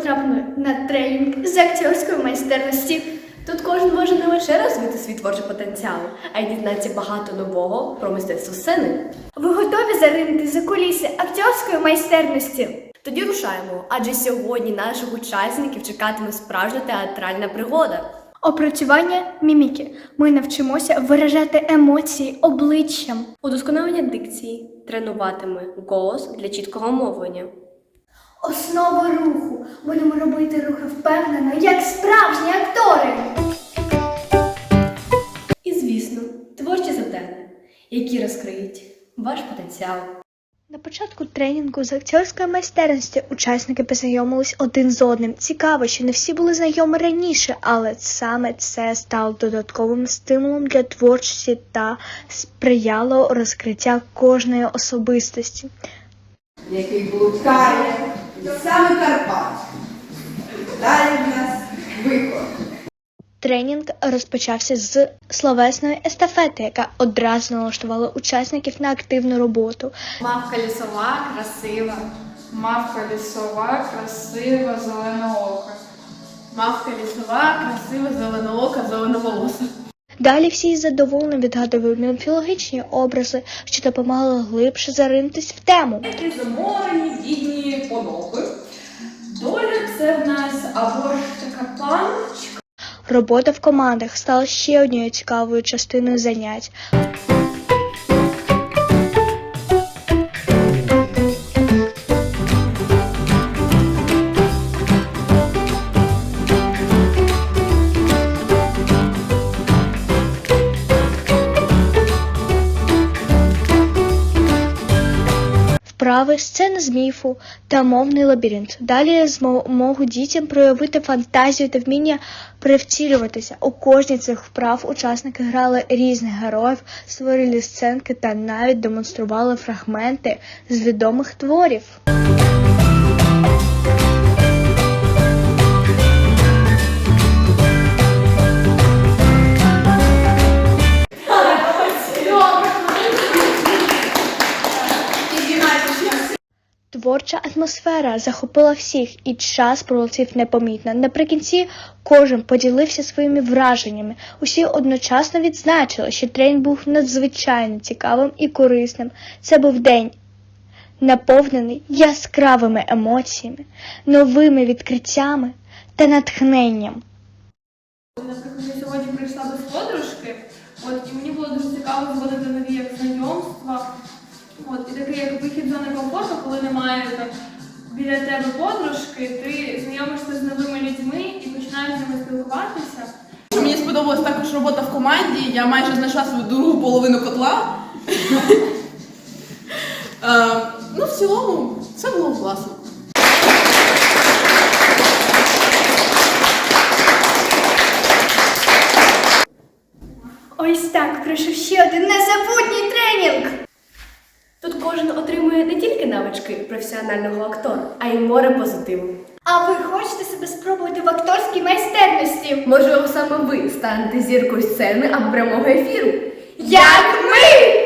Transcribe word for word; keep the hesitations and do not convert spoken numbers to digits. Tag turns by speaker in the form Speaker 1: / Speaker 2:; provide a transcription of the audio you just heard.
Speaker 1: потрапили на тренінг з акторської майстерності.
Speaker 2: Тут кожен може не лише розвити свій творчий потенціал, а й дізнатися багато нового про мистецтво сцени.
Speaker 1: Ви готові заринути за куліси акторської майстерності?
Speaker 2: Тоді рушаємо, адже сьогодні наших учасників чекатиме справжня театральна пригода.
Speaker 1: Опрацювання міміки. Ми навчимося виражати емоції обличчям.
Speaker 2: Удосконалення дикції тренуватиме голос для чіткого мовлення.
Speaker 1: Основа руху. Будемо робити рухи впевнено, як справжні актори.
Speaker 2: І, звісно, творчі завдання, які розкриють ваш потенціал.
Speaker 1: На початку тренінгу з акторської майстерності учасники познайомились один з одним. Цікаво, що не всі були знайомі раніше, але саме це стало додатковим стимулом для творчості та сприяло розкриття кожної особистості.
Speaker 3: Який блукає саме Карпат. Далі в нас виход.
Speaker 1: Тренінг розпочався з словесної естафети, яка одразу налаштувала учасників на активну роботу.
Speaker 4: Мавка лісова, красива. Мавка лісова, красива, зеленоока. Мавка лісова, красива, зеленоока, зеленоволоса.
Speaker 1: Далі всі задоволено відгадували міфологічні образи, що допомагали глибше заринутись в тему.
Speaker 5: Які заморені, бідні понохи. Доля – це в нас або ж така паночка.
Speaker 1: Робота в командах стала ще однією цікавою частиною занять. Вправи, сцена з міфу та мовний лабіринт. Далі змогу дітям проявити фантазію та вміння привтілюватися. У кожній цих вправ учасники грали різних героїв, створили сценки та навіть демонстрували фрагменти з відомих творів. Творча атмосфера захопила всіх, і час пролетів непомітно. Наприкінці кожен поділився своїми враженнями. Усі одночасно відзначили, що тренінг був надзвичайно цікавим і корисним. Це був день, наповнений яскравими емоціями, новими відкриттями та натхненням.
Speaker 4: Наприклад, я сьогодні прийшла без подружки, от, і мені було дуже цікаво зводити нові як знайомства. От, і такий як вихід з зони комфорту, коли немає так, біля тебе подружки, ти знайомишся з новими людьми і починаєш з ними спілкуватися.
Speaker 5: Мені сподобалась також робота в команді, я майже знайшла свою другу половину котла. Е, Ну, в цілому, все було класно.
Speaker 1: Ось так пройшов ще один незабутній тренінг.
Speaker 2: Тут кожен отримує не тільки навички професіонального актора, а й море позитиву.
Speaker 1: А ви хочете себе спробувати в акторській майстерності?
Speaker 2: Можливо, саме ви станете зіркою сцени або прямого ефіру.
Speaker 1: Як ми!